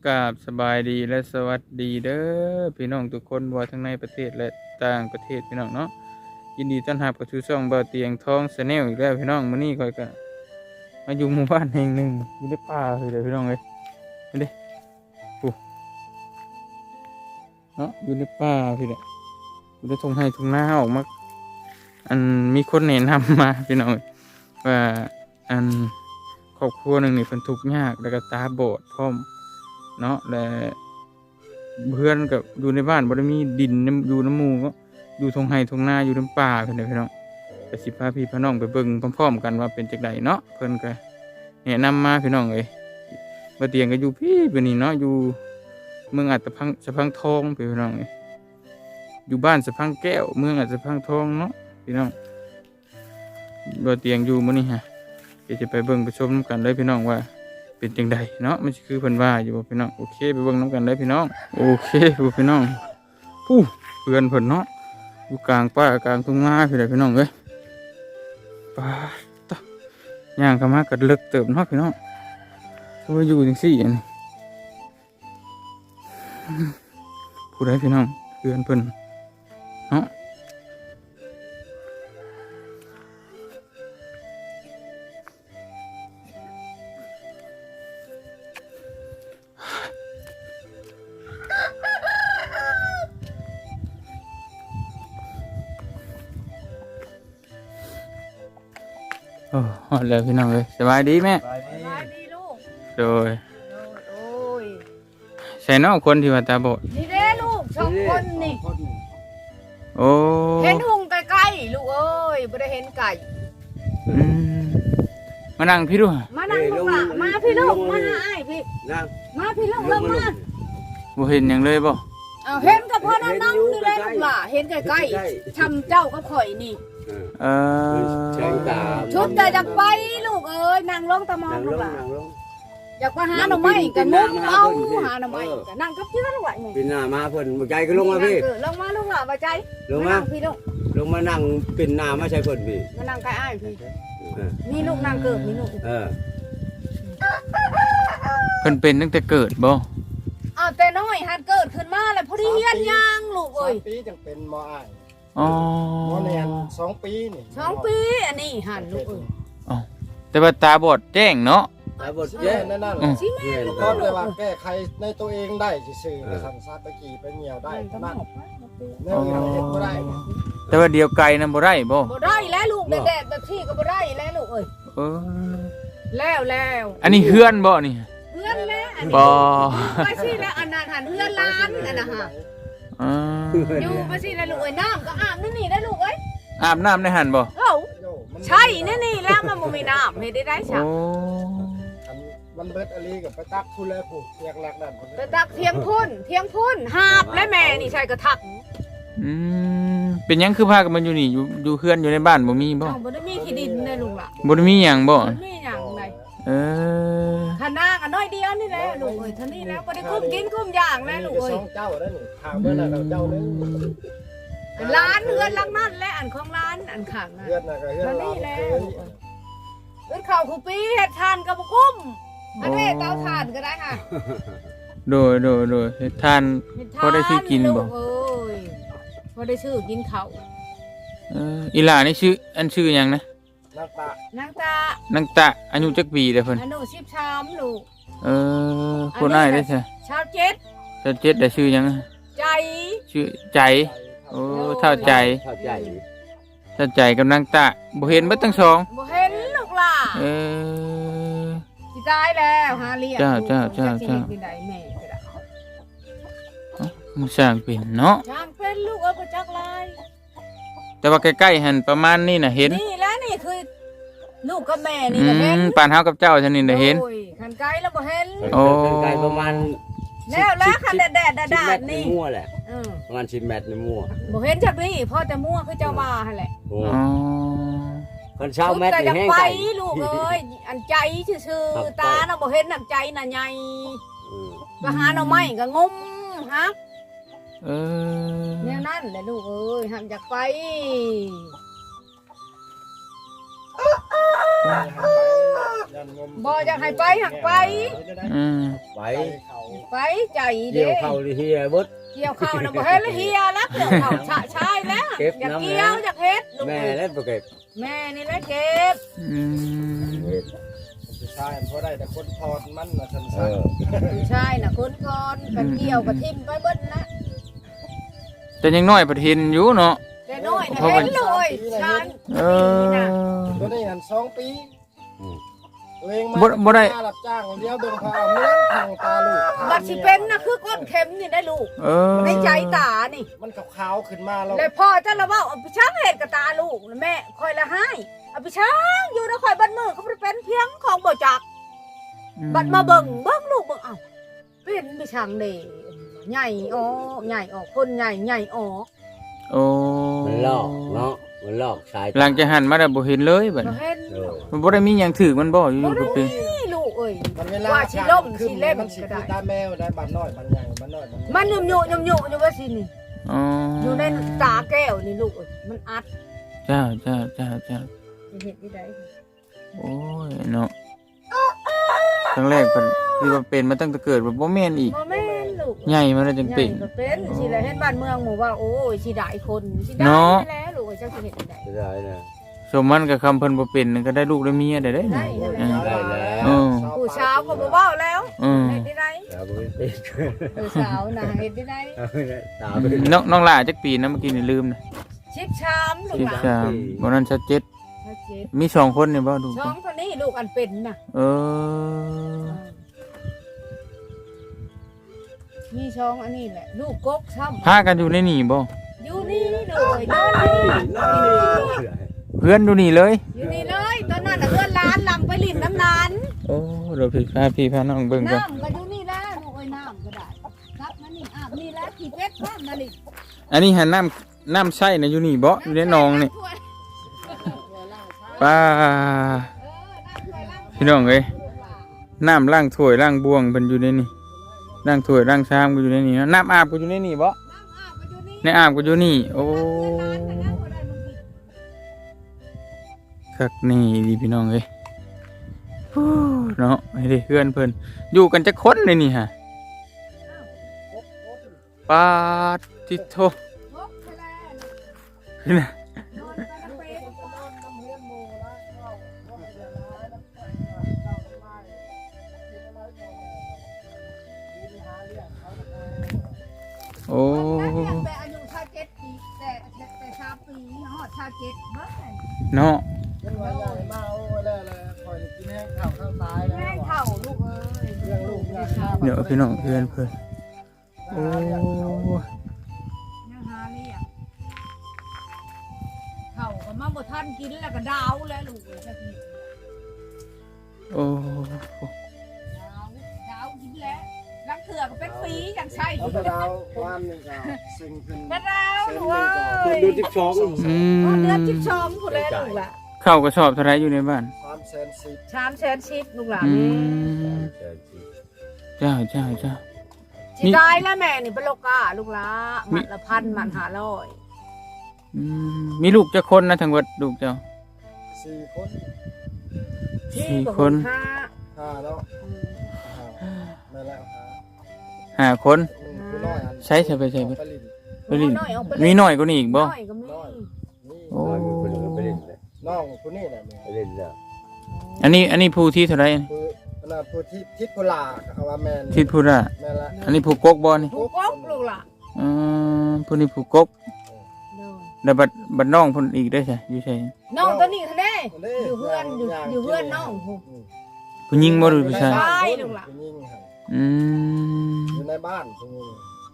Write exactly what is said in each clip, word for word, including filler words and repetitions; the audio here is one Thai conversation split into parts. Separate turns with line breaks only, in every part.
กราบสบายดีและสวัสดีเด้อพี่น้องทุกคนว่าทั้งในประเทศและต่างประเทศพี่น้องเนาะยินดีต้อนรับกับชูช่องเบาเตียงทองชาแนลอีกแล้วพี่น้องมื้อนี้ค่อยก็มาอยู่หมู่บ้านแห่งหนึ่งอยู่ในป่าเลยพี่น้องเอ้ยนี่ดิปุ๊เนาะอยู่ในป่าพี่เด้ออยู่ในทุ่งไร่ทุ่งนาออกมาอันมีคนแนะนำมาพี่น้องว่าอันครอบครัวหนึ่งนี่เพิ่นทุกข์ยากแล้วก็ตาบอดพร้อมเนาะและเพื่อนกับอยู่ในบ้านบ่ได้มีดินอยู่น้ำหมู่ก็อยู่ทงไห้ทงนาอยู่น้ำป่าเพิ่นเด้อพี่น้องไปสิพาพี่พาน้องไปเบิ่งพร้อมๆกันว่าเป็นจังไดเนาะเพิ่นก็แนะนำมาพี่น้องเอ้ยบ่เตียงก็อยู่พี่เพิ่นนี่เนาะอยู่เมืองอัตพังสะพังทองพี่น้องเอ้ยอยู่บ้านสะพังแก้วเมืองอัตพังทองเนาะพี่น้องบ่เตียงอยู่มื้อนี้ฮะเดี๋ยวจะไปเบิ่งไปชมกันเลยพี่น้องว่าเป็นจังใดเนาะมันคือเพิ่นว่าอยู่บ่พี่น้องโอเคไปเบิ่งน้ำกันเลยพี่น้องโอเคพี่น้องผู้เพื่อนเพิ่นเนาะอยู่กลางป่ากลางทุ่งนาพี่น้องพี่น้องเอ้ยป่าตะย่างเข้ามาก็เลิกเติบเนาะพี่น้องว่าอยู่จังซี่อันนี้ผู้ใดพี่น้องเพื่อนเพิ่นเนาะโอ้ฮอดแล้วพี่น้องเลยสบายดีแม่
สบายดีลูก
โดย
โอ้ย
ใส่น้องคนที่ว่าตาบอด
นี่เด้ลูกสองคนนี่
โอ้
เห็นหุงใกล้ๆลูกเอ้ยไม่ได้เห็นไก่
อืมมานั่งพี่ดู
มานั่งลูกละมาพี่ลูกมาหาไอ้พี่มาพี่ลูกลงมา
บ่เห็นหยังเลยบ่
เอาเห็นกับพ่อนั่งนั่งนี่แหละลูกละเห็นใกล้ๆชำเจ้าก็ข่อยนี่
เออ
ชุดแต่อยากไปลูกเอ้ยนั่งลงตะมองลูกละอยากไปหาหน่อไม้กันมุ้งเอาหาหน่อไม้กันนั่งกับเพื่อนลูกละนี่
เป็นหน้ามาเพิ่นบ่ใจก็ลงมาพี่
ลงมาลูกละบ่ใจ
ลงมา
พี่ลูก
ลงมานั่งเป็นหน้ามาใช่เพิ่นพี่
มานั่งใกล้อ้ายพี่นี่ลูกนั่งเกิดนี่ลูก
เออ
เพิ่นเป็นตั้งแต่เกิดบ่
อ้าวแต่น้อยหัดเกิดขึ้นมาแล้วพอดีเฮียนย่างลูกเอ้ย
ปีจังเป็นมออ้าย
อ๋อ
มอแนนสองปีนี่
สองปีอันนี้หันลูกเอ้ย
อ๋อแต่ว่าตาบอดแจ้งเนาะ
ตาบอด
แย่
แจ้ง
นั่นนั่น
สิแม่ลูก
ก็เลยว่าแก้ไขในตัวเองได้ซื่อๆไปสั่งซาตะกี้ไปเหี่ยวได้นั่นแนวนี้เฮ็ดบ่ได้
แต่ว่าเดียวไกลนั้นบ่ได้บ่
บ่ได้แล้วลูกแดดๆแบบที่ก็บ่ได้แล้วลูกเอ้ย
เออ
แล้วแล้ว
อันนี้เฮือนบ่นี่
เฮือนแล้วอันนี้
บ่
ไปสิแล้วอันนั้นหันเฮือนล้านอันน่ะฮะ
อ่า
อยู่ไปสิแล้วลูกเอ้ยน้ำก็อาบนี่นี่ได้ลูกเอ้ย
อาบน้ำในหันบ่
เอ้าใช่นี่นี่แล้วมันบ่มีน้ำเฮ็ดได้ได้ซะ
โอ้
มันเบิดอลีกับไปตักผู้แลผู้เรียกหลักนั่น
ไปตักเทียงพุ่นเทียงพุ่นหาบและแม่นี่ใช่กระทัก
อืมเป็นหยังคือพากันมาอยู่นี่อยู่อยู่เฮือนอยู่ในบ้านบ่มีบ่
บ่ได้มีที่ดินเลยลูกล่ะ
บ่ได้มีหยังบ่
บ่มีหยังเลย
เออ
ท่านากันน้อยเดียวนี่แหละลูกเอ้ยท่านี้แล้วบ่ได้คุ้มกินคุ้มอย่างแล้วลูกเอ้ย
สองเจ้าแล้วนี่ทางเมื่อนั้นเจ้านึง
ร้านเฮือนหลังนั่นและอันของร้านอันข้างนั่น
เฮือนน่ะก็เฮือนเรา
แล้วเฮือนข้าวคู่ปีเฮ็ดทานก็บ่คุ้มอันนี้เตาถ่านก็ได้ค่ะ
โดยโดยโดยเฮ็ดทานพอได้ซื้อกินบ่
เอ้ยพอได้ซื้อกินข้าว
เอออีหล่านี่ชื่ออันชื่อหยังนะ
นางตาน
างตา
นางตะอายุจักปีเด้อเพิ่น
อายุสิบสามลูก
เออคนอ้ายได้ซะ
ชาวเจ็ด
ชาวเจ็ดได้ชื่อหยัง
ใจ
ชื่อใจโอ้เท่าใจ
เข้าใจ
เท่าใจกับนางตะบ่เห็นเบิดทั้งสอง
บ่เห็นลูกล่ะ
เออ
สิตายแล้วหาเลี้ยง
จ้าจ้าจ้าจ้า
ที่ใดแม่ก็ได้
มันสร้างเป็นเนาะ
สร้างเป็นลูกเอาไปจักลาย
แต่ว่าใกล้ๆหั่นประมาณนี้น่ะเห็น
นี่แล้วนี่คือลูกกับแม่นี่ก็เห็น
ปานเฮากับเจ้าซั่นนี่น่ะเห็น
โอ้ยคันไกลแล้วบ่เห็น
โอ้
ไกลประมาณ
แล้วแล้วคันแดดๆดาดๆนี่
มั่วแหละเออประมาณสิบเมตรนี่มั่ว
บ่เห็นจักนี่พอแต่มั่วคือเจ้าว่าหั่นแหละ
โอ้คันเช้าเมตรนี่แห้ง
ไปลูกเอ้ยอันใจซื่อๆตาน่ะบ่เห็นน้ำใจน่ะใหญ่ก็หาหน่อไม้ก็งมฮะ
เออ
แนวนั้นแหละลูกเอ้ยห้ามอยากไป
ยยันงม
บ่อยากให้ไปหักไป
อืม
ไป
เขา
ไปใจ
เกี่
เด้
ยวเข้าดิเฮียเบิด
เกี่ยวข้าวน่ะบ่เฮ็ดแล้วเฮียแล้วเกี่ยวข้าวชะชายแล้ว
เก็บ
อยาก
น้ำ
เกี่ยวอยากเฮ็ดลูก
แม่
เอ้ย
เล่นบ่เก็บ
แม่นี่แหละเก็บ
อืม
ผู้ชายเพราะได้แต่คนพรมันนะฉัน
เอ
สั่ง
อ
ผู้ชายน่ะคนก่อนกันเกี่ยวกับทิ่มไปเบิดนะ
แต่ยังน้อยประเทศอยู่เนาะ
แต่น้อยน่ะเห็นเลยชาน
เออ
ตัวนี้หันสองปี
อืม
ตัวเอง
บ่บ่ได้
มารับจ้างเลี้ยวเบิ่งพาเอาเมืองทางตาลูก
บัดสิเป็นน่ะคือก้นเข็มนี่ได้ลูก
เออ
ในใจตานี่
มันขาวๆขึ้นมาแล้ว
แล้วพ่อถ้าเราว่าเอาไปช้างเห็ดกับตาลูกแม่คอยละให้เอาไปช้างอยู่นะคอยบัดมือเขาบ่ได้เป็นเพียงของบ่จักบัดมาเบิ่งเบิ่งลูกเบิ่งเอ้าเป็นไปช้างเด้ใหญ่ออกใหญ่ออกคนใหญ่ใหญ่ออก
โอ้
มันลอกเนาะมันลอกชาย
หลังจากหันมาแล้วบ่เห็นเลยบัด
บ่
นี้
เห็น
เออ
มันบ่ได้มีหยังถือมันบ่อยู่
บ่
ๆก็
ได้
เป็น
นี่ลูกเอ้ย
มันเวลา
ว่าสิล่มสิเล่ม
มันสิ
ก็ได้
คือตาแมวได้บัดน้อยบัดใหญ่บัดน้อยบัดใหญ่
มันยุ่มยุ่มยุ่มยุ่มอยู่ว่าสินี่
อ๋อ
อยู่ในตาแก้วนี่ลูกเอ้ยมันอัด
เจ้าเจ้าเจ้าเจ้า
จะเห็นที่ใด
โอ้ยเนาะครั้งแรกเพิ่นที่ว่าเป็นมาตั้งแต่เกิดแบบบ่แม่นอีก
บ่แม่นลูก
ใหญ่มาแล้วจัง
ใหญ่
เป็น
ก็เป็นสิแลเห็นบ้านเมืองหมู่ว่าโอ้ยสิได้คนสิได้
เนาะ
แล้วลูกเอ้ยจังสิเห็นที่ใด
จะได้นะ
สมมันกับคำเพิ่นบ่เป็นนั่นก็ได้ลูกได้เมียได้เด้
ได้
นี่
ได้
เออ
ได้แล้ว
เออ
ผู้เช้าก็บ่เว้าแล้ว
เออ
เห็นที่ใด
ตาบ่เป็น
ผู้เช้าน่ะเห็นที่ใด
ตาบ่เป็น
น้องน้องหล่าจักปีนะเมื่อกี้นี่ลืมนะ
ชิบชามลูก
สิบ
หลาน
สามบ่นั้นชัดเจ็ด
ชัดเจน
มีสองคนนี่บ่ดู
ช่องตัวนี้ลูกอันเป็นน่ะ
เออ
มีช่องอันนี้แหละลูกกกซ้ำ
พากันอยู่ในนี่บ่
อยู่นี่เลยนอนนี่
เพื่อนอยู่นี่เลย
อยู่นี่เลยตอนนั้นน่ะเพื่อนร้านลำไปริมน้ำนาน
โอ้เดี๋ยวพี่พาพี่พาน้องเบิ่งก่อน
น้ำก็อยู่นี่แล้วลูกเอ้ยน้ำก็ได้ครับมานี่อาบนี่แล้วขี่เป็ดบ้านมานี่
อันนี้หันน้ำน้ำใช้นะอยู่นี่บ่อยู่ในหนองนี่ป้าพี่น้องเอ้ยน้ำล้างถ้วยล้างบวงเพิ่นอยู่ในนี่ล้างถ้วยล้างชามก็อยู่ในนี่นะน้ำอาบก็อยู่ในนี่บ่
น้ำอาบก็อยู่นี่
ในอาบก็อยู่นี่ โอ้คักนี่ดีพี่น้องเอ้ยโอ้เนาะไอ้เด้เพื่อนเพิ่นอยู่กันจักคนเลยนี่ฮะปาดทิโท
พกไปแล้ว
นี่นะ
นอนกันนะเป็ด
โอ้
แต่อายุชาเจ็ดปีแต่แต่ชาปีฮอดชาเจ็ดเบิ่ง
เนาะ
เป็นวันใหญ่มาเอาไว้แล้วแหละคอยกินแห้งข้าวข้างซ้ายแล้ว
แม่งเข่าลูกเอ้ย
เรื่องลูกเรื่องข้าว
เดี๋ยวพี่น้องเพื่อนเพิ่นโอ้
ยังหาเรียกเข่าก็มาบ่ทันกินแล้วก็ดาวแล้วลูกเอ้ยจักนิด
โอ้
ดาวดาวกินแล้วลังเถื่อก็เป็นปีจังใช่
เอาไปดาววันนี้ก็สิ่งขึ้น
กระดาวลูกเอ้
คน
ย
ดูจิ๊กซอง
อื
พอ
ม
เดือนสิบสองพุ่นแล้วลูกล่ะ
เข้าวกระสอบเท่าไรอยู่ในบ้าน
ความแสนสิบ
ชามแสนชิปลูกหลาน
อื
นี่
มเจ้าเจ้าเจ้า
สิตายแล้วแม่นี่เป็นโลกาลูกหลานหมัดละพันหมัดห้าร้อย
อืมมีลูกจักคนนะทั้งหมดลูกเจ้า
สี่คน
สี่คน
ห้า
ห้าแล้วห้าไม่แล้วห้า
ห้าคน
อืมผู้น้อยอัน
ใช้ใช้ไปใช้ไป
ไปลิ้น
ไปลิ้น
น้อยเอาไป
มีหน่อยกว่านี้อีกบ่
น้อยก็มี
น้อยนี่
โอ้
ไปเล่นเลย
น้องผู้นี้แหละแม่
ไปเล่นแล้ว
อันนี้อันนี้ผู้ที่เท่าไร
ผู้อันนั้นผู้ที่ทิศกุลาเอาว่าแมน
ที่ผู้ละ
แม่นละ
อันนี้ผู้กกบ่นี่
ผู้กบลูกหล่ะ
อืมผู้นี้ผู้กก
เด้อ
แล้วบัดบัดน้องเพิ่นอีกได้ใช่อยู่ใช่
น้องตัวนี้ทะเล
ด้
อยู่เพื่อนอยู่
าง
อยู่เพื่อนน้อง
อืม
ผู้หญิงบ่หรือผู้ชาย
ใช่ลูกหลาน
ผู้หญิงหั่น
อืม
อยู่ในบ้านผู้หญิง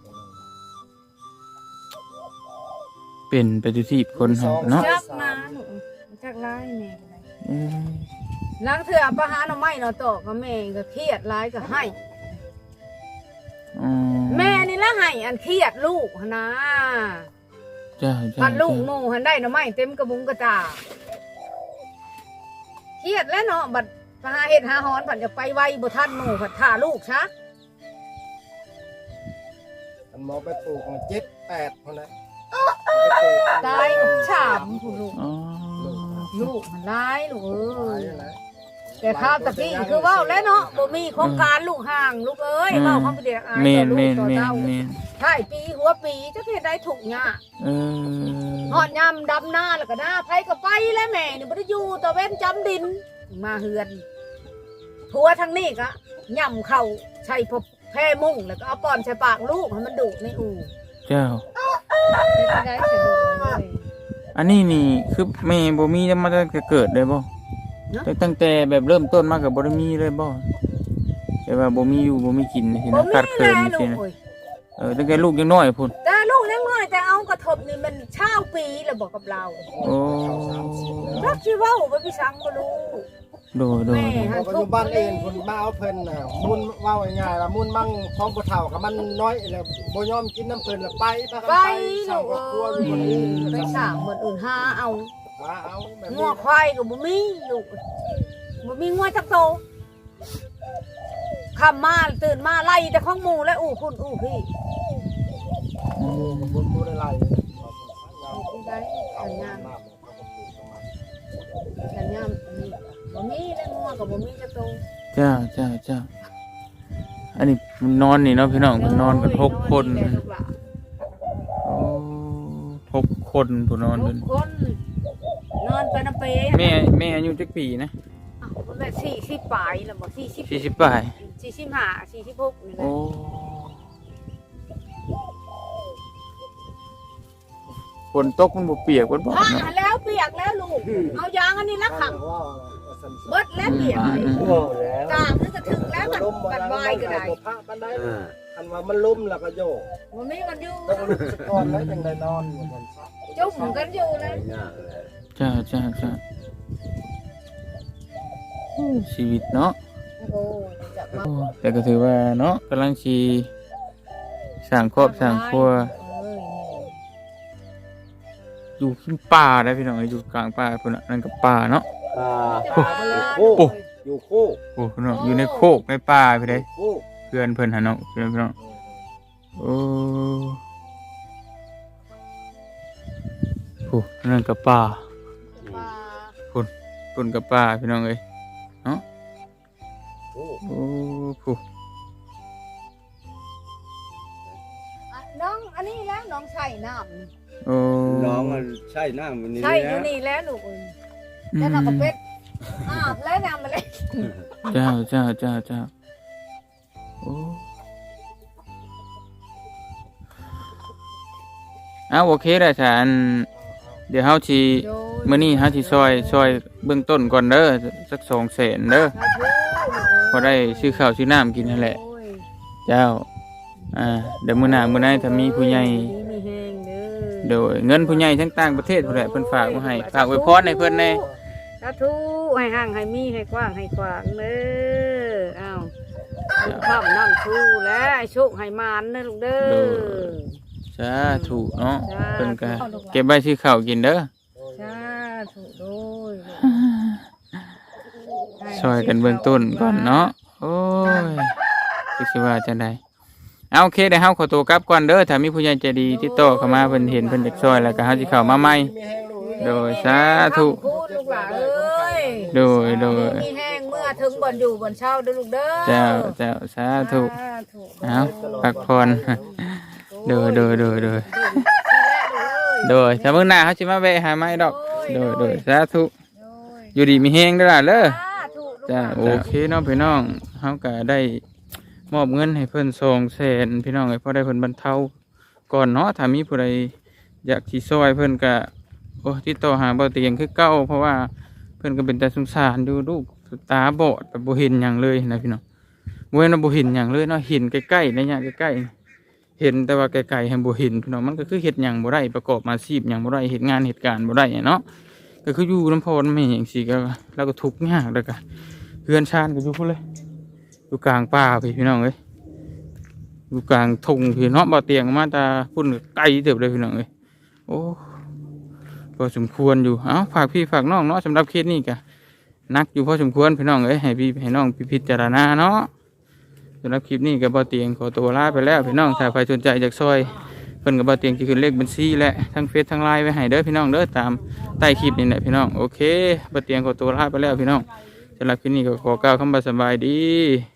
เป็นไปทุกที่คนเฮาเนาะ
จักนาหนูจักร้ายแม่ก็ได้
เอ้ย
ล้างเถื่อประหารเอาไม้เนาะตอกกับแม่ก็เครียดร้ายก็ให้
อ๋อ
แม่นี่ละให้อันเครียดลูกหั่นนะ
จ้าจ้า
พันลูก
จ้า
หมู่หันได้เนาะไม้เต็มกระบุงกระตาเครียดแล้วเนาะบัดไปหาเฮ็ดหาหอนผันจะไปไวบ่ทันหมู่ผัดท่าลูกซะ
อันหมอไปปลูกเจ็ดแปดคนนะ
ตายฉามผู้ลูก
อ๋อ
ลูกมันร้ายลูกเอ้
ตาย
ย
นะ
แต่ข้าวตะกี้คือเว่าแล้วเนาะบ่มีโครงการลูกห่างลูกเอ้ยเว้าความเป็นเด็กอาย
แม่น
ต่อลู
แม่
ก
น
ต่อ
แม่น
เต้า
แม่น
ใช่ปีหัวปีจะเฮ็ดได้ถูกหญ้า
เออ
ฮอดยามดำหน้าแล้วก็หน้าไผก็ไปแล้วแม่นี่บ่ได้อยู่ตะเว้นจำดินมาเฮือนผัวทางนี้ก็ย่ำเข้าใช้พบแพร่มุ้งแล้วก็เอาป้อนใส่ปากลูกให้มันดูดในอู่
เจ้า
เป็นได้สะดวกเลย
อันนี้นี่คือแม่บ่มีมาตั้งแต่เกิดเลยบ่
เนาะ
ตั้งแต่แบบเริ่มต้นมาก็บ่ได้มีเลยบ่แต่ว่าบ่มีอยู่บ่มีกินสิ
บ่
นะ
มี
ขาดเคิน
แน่
สิ
ลูก
นะ
เอ้ย
เออตั้งแต่ลูกยังน้อยพุ่น
แต่ลูกยังน้อยแต่เอากระทบนี่มันเช่าปีแล้วบอกกับเรา
โอ้
รักชีว่าบ่พี่ช้างบ่รู้
โดยโดย
แม่
พอปัจจุบันเองคนมาเอาเพิ่นน่ะมุนเว้าง่ายๆล่ะมุนมั่งของผู้เฒ่ากับมันน้อยแล้วบ่ยอมกินน้ำเพิ่นแล้วไปพากัน
ไป
ไป
ลู
สร้าง
ก
ครอบครัวอ
เอ้
ยู่
ย
คนอื่น
ไปสร้างเหมือนอื่นหาเอา
หาเอาแบบ
งั
นี้
วควายก็บ่มีลูกบ่มีงัวจักโตค่ำมาตื่นมาไล่แต่ของหมู่และอู้คุณอู้พี่
บ่บ่ได้ไล่
ได้สัญญาณสัญญาณนี่บ่มีและงัวก็บ่มีจักโต
เจ้าเจ้าเจ้าอันนี้มันนอนนี่เนาะพี่น้องมันนอนกันหกคน
แม่ลูกหลาน
โอ้หกคนผู้นอน
ทุ
เพิ่
ก
น
คนนอนไปน้ำเปย์
แม่แม่อายุจักปีนะ
อ้าวมันแบบสี่สิบปลายแล้วบอกสี่สิบ
สี่สิบปลาย
สี่สิบห้าสี่สิบหกนี่แหละ
โอ้ฝนตกมันบ่เปียกบ่บ่
อ่า
เนาะ
แล้วเปียกแล้วลูกเอายางอันนี้ละขัง
ว่าว่าซั่น
เบิดแล้วเปียก
โอ้แล้ว
กามนี่ก็ถึงแล้วมันมันวายก็ได้
บ่พระปานใด
อ่า
คันว่ามันล้มแล้วก็โยก
มันมีกันอยู่
ต้องลุกสะก่อนแล้วจังได้นอนว่าซั่นซะ
จุ่มกันอยู่เลย
ยากเลย
จ้าจ้าจ้าชีวิตเนาะ
โอ้จะมา
โอ้แต่ก็ถือว่าเนาะกำลังชีสร้างครอบสร้างครัว
เอ้ย
อยู่ขึ้นป่าได้พี่น้องอยู่กลางป่าพุ่นน่ะนั่นก็ป่าเนาะ
อ่า
โอ้
โอ้
โอ้
อยู่คู่
โอ้พี่น้องอยู่ในโคกในป่าพี่เด้
คู่
เพื่อนเพิ่นหาเนาะพี่น้องพี่น้องโอ้โหนั่นก็ป่า
มา
พุ่นก็ป่าพี่น้องเอ้ย
คู่
โอ้โห
อ่ะน้องอันนี้แล้วน้องใส่น้ำนี่
โอ้
น้องมันใช่หน้ามันนี่
ใช่อยู่
นะ
นี่แล้วลูกเอ้ยแล้วน้องก็เป็ดอาบแล้วน้ำมาเลย
เจ้าเจ้าเจ้าเจ้าโอ้เอาโอเคได้จ้ะอันเดี๋ยวเฮาสิมื้อนี้เฮาสิซอยซอยเบื้องต้นก่อนเด้อสักสองแสนเด้อพอได้ซื้อข้าวซื้อน้ำกินนั่นแหละ
โอ้ย
เจ้าอ่าเดี๋ยวมื้อหน้ามื้อไหนถ้ามีผู้ใหญ่
มีแห้งเด้อ
โดยเงินผู้ใหญ่ทั้งต่างประเทศพุ่นแหละเพิ่นฝากมาให้ฝากไว้พรให้เพิ่นแน่
สาธุให้ห่างให้มีให้กว้างให้กว้างเด้ออ้าวข้ามน้ำชูแล้วให้โชคให้มานเด้อลูกเด้อ
สาธุเนาะ
สาธุ
เพิ่นก็เก็บไว้ซื้อข้าวกินเด้อ
สาธุโดย
ช่วยกันเบื้องต้นก่อนเนาะโอ้ยคิดสิว่าจังไดเอาโอเคเดี๋ยวเฮาขอตัวกลับก่อนเด้อถ้ามีผู้ใหญ่ใจดีติดต่อเข้ามาเพิ่นเห็นเพิ่นอยากช่วยแล้วก็เฮาสิเข้ามาใหม่
มีแห้งลูก
โดยสาธุ
พูดลูกหลานเอ้ย
โดยโดย
มีแห้งเมื่อถึงบ่อนอยู่บ่อนเช่าเด้อลูกเด้อ
เจ้าเจ้าสาธุ
สาธุ
เอาพักผ่อน โดยโดยโดยโดยโดยถ้ามื้อหน้าเฮาสิมาแวะหาใหม่ดอกโดยโดยสาธุอยู่ดีมีแฮงเด้อล่ะเด้อ จ้าโอเคเนาะพี่น้องเขาก็ได้มอบเงินให้เพิ่นสองแสนพี่น้องให้พอได้เพิ่นบรรเทาก่อนเนาะถ้ามีผู้ใดอยากสิซอยเพิ่นก็โอ้ติดต่อหาบ่เตียงคือเก่าเพราะว่าเพิ่นก็เป็นแต่สงสารดูลูกตาบอดแบบบ่เห็นหยังเลยนะพี่น้องบ่แม่นว่าบ่เห็นหยังเลยเนาะเห็นใกล้ๆในยะใกล้ๆเห็นแต่ว่าไกลๆให้บ่เห็นพี่น้องมันก็คือเฮ็ดหยังบ่ได้ประกอบอาชีพหยังบ่ได้เฮ็ดงานเฮ็ดการบ่ได้เนาะก็คืออยู่นำพ่อนำแม่จังซี่ก็แล้วก็ทุกข์ยากแล้วก็เพื่อนชาญก็อยู่พุ่นเลยอยู่กลางป่าพี่พี่น้องเอ้ยอยู่กลางทุ่งพี่เนาะบ่เตียงมาตาพุ่นไกลเติบเลยพี่น้องเอ้ยโอ้พอสมควรอยู่เอ้าฝากพี่ฝากน้องเนาะสำหรับเคสนี้ก็นักอยู่พอสมควรพี่น้องเอ้ยให้พี่ให้น้องพิจารณาเนาะสำหรับคลิปนี้ก็บ่เตียงขอตัวลาไปแล้วพี่น้องถ้าใครสนใจจากซอยเพิ่นก็บ่เตียงสิขึ้นเลขบัญชีและทั้งเฟซทั้งไลน์ไว้ให้เด้อพี่น้องเด้อตามใต้คลิปนี่แหละพี่น้องโอเคบ่เตียงขอตัวลาไปแล้วพี่น้องสสำหรับคลิปนี้ก็ขอกล่าวคำว่าสบายดี